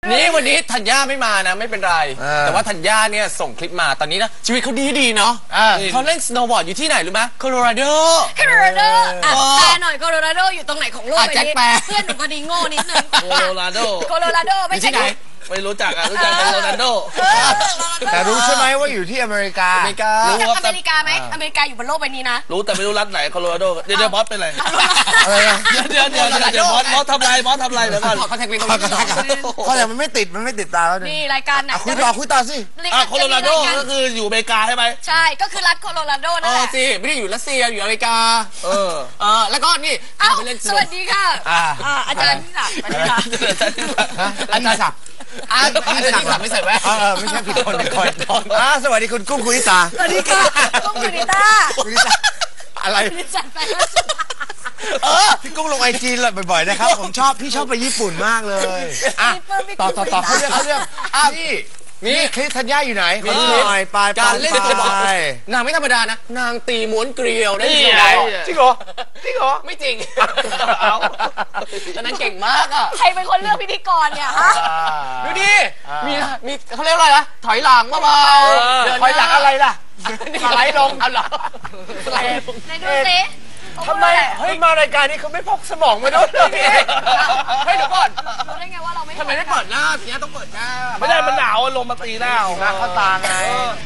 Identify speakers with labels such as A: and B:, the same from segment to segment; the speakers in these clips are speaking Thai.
A: นี่วันนี้ธัญญาไม่มานะไม่เป็นไรแต่ว่าธัญญาเนี่ยส่งคลิปมาตอนนี้นะชีวิตเขาดีเนาะเขาเล่นสโนว์บอร์ดอยู่ที่ไหนรู้ไหมโคโลราโด
B: แปลหน่อยโคโลราโดอยู่ตรงไหนของโลกใบนี้เพื่อนหนูพอดีโง่นิดนึง
C: โคโลราโด
B: ไม่ใช่ไหน
C: ไม่รู้จักรู้จักเป็นโรนัลโด
D: แต่รู้ใช่ไหมว่าอยู่ที่อเมริกา
B: รู้จักอเมริกาไหมอเมริกาอยู่บนโลกใบนี้นะ
C: รู้แต่ไม่รู้รัฐไหนโคโลราโดเดี๋ยวบอสเป็นไรเดี๋ยวบอสทำไรเดี๋ยวก่อน
A: เขาแท็กลิงก์ตรงนี้
D: เพราะแต่มันไม่ติดตาแล้ว
B: นี่รายการไหน
D: คุยต่อสิ
C: โคโลราโดก็คืออยู่อเมริกาใช่ไหม
B: ใช่ก็คือรัฐโคโลราโดนั่นแหละ
A: สิไม่ได้อยู่รัสเซียอยู่อเมริกาแล้วก็นี่
B: สวัสดีค่ะอาจารย์ที่ศักดิ์
D: อาจารย์ศักดิ์
A: ไม่ใส่แว่น
D: ไม่ใช่ผิดคนสวัสดีคุณกุ้งคุณิตา
B: สวัสดีค่ะกุ้งคุณิตา
D: อะไรพี่กุ้งลงIGบ่อยๆนะครับผมพี่ชอบไปญี่ปุ่นมากเลยต่อเขาเรื่องนี่คลิปธัญญาอยู่ไหนขอดูหน่อยไป
A: การเล่นสโนว์บอร์ดนางไม่ธรรมดานะนางตีม้วนเกลียวได้
D: จริงเหรอ
A: ไม่จริงตอนนั้นเก่งมากอ่ะ
B: ใครเป็นคนเลือกพิธีกรเนี่ยฮะ
A: ดูดิมีเขาเรียกอะไรนะถอยหลังเบา
D: ๆถอยหลังอะไรล่ะ
A: สไลด์ลงเอาหรอ
B: สไลด์ไหนดูสิ
D: ทำไมมารายการนี้เขาไม่พกสมองมาด้วย
A: เฮ้ยเดี๋ยวก่อน
B: รู้ได้ไงว่าเราไม่
A: ทำไมไม่เปิดหน้าทีนี้ต้องเปิดหน้า
C: ไม่ได้มันหนาวลมมาตีหน้า
D: เข้าตาไง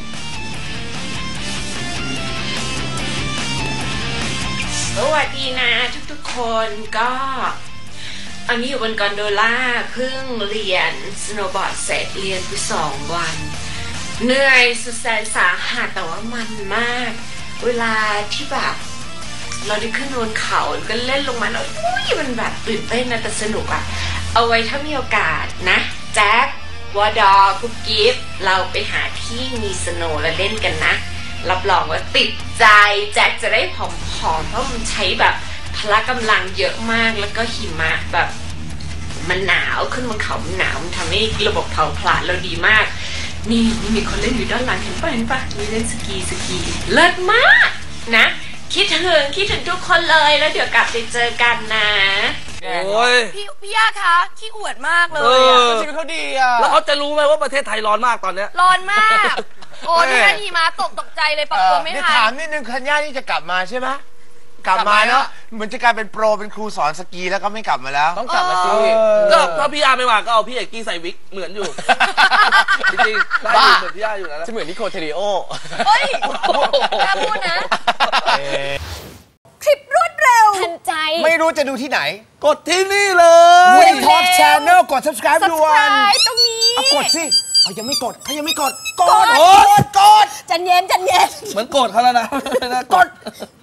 E: สวัสดีนะทุกคนก็อันนี้อยู่บนกอนโดล่าเพิ่งเรียนสโนว์บอร์ดเสร็จเรียนไป2 วันเหนื่อยสุดแสนสาหัสแต่ว่ามันมากเวลาที่แบบเราได้ขึ้นบนเขาก็เล่นลงมาแล้วมันแบบตื่นเต้นนะแต่สนุกอะเอาไว้ถ้ามีโอกาสนะแจ็ควอดอกุ๊กกิฟเราไปหาที่มีสโนว์แล้วเล่นกันนะรับรองว่าติดใจแจ็คจะได้ผอมๆเพราะมันใช้แบบพละกำลังเยอะมากแล้วก็หิมะแบบมันหนาวขึ้นบนเขามันหนาวมันทำให้ระบบเผาผลาญเราดีมากนี่มีคนเล่นอยู่ด้านหลังเห็นปะมีเล่นสกีเลิศมากนะคิดถึงทุกคนเลยแล้วเดี๋ยวกลับไปเจอกันนะ
C: โอ้ย
B: พี่ย่าคะขี้อวดมากเลย
A: ชีวิตเขาดีอ่ะ
C: แล้วเขาจะรู้ไหมว่าประเทศไทยร้อนมากตอนเนี้ย
B: ร้อนมากโอ้ที่นั่นหิมะตกใจเลยปรับตัวไม่ทัน
D: ถามนิดนึงธัญญานี่จะกลับมาใช่ไหมกลับมาเนาะเหมือนจะกลายเป็นโปรเป็นครูสอนสกีแล้วก็ไม่กลับมาแล้ว
A: ต้องกลับมาสิ
C: ก็ถ้าพี่อาไม่มาก็เอาพี่เอกกี้ใส่วิกเหมือนอยู่จริงๆได้เหมือนพี่อาอยู่นะ
A: จะเหมือนนิโคเทริโอ
B: เฮ้ยกล้าพูดนะคลิปรวดเร็วทันใจ
D: ไม่รู้จะดูที่ไหไหน
C: กดที่นี่เลย
D: Win Talk Channel กด subscribe ด่วน
B: ตรงนี้
D: กดสิเขายังไม่กดกด
B: จันเย็น
C: เหมือนโกรธเขาแล้วนะ
D: กด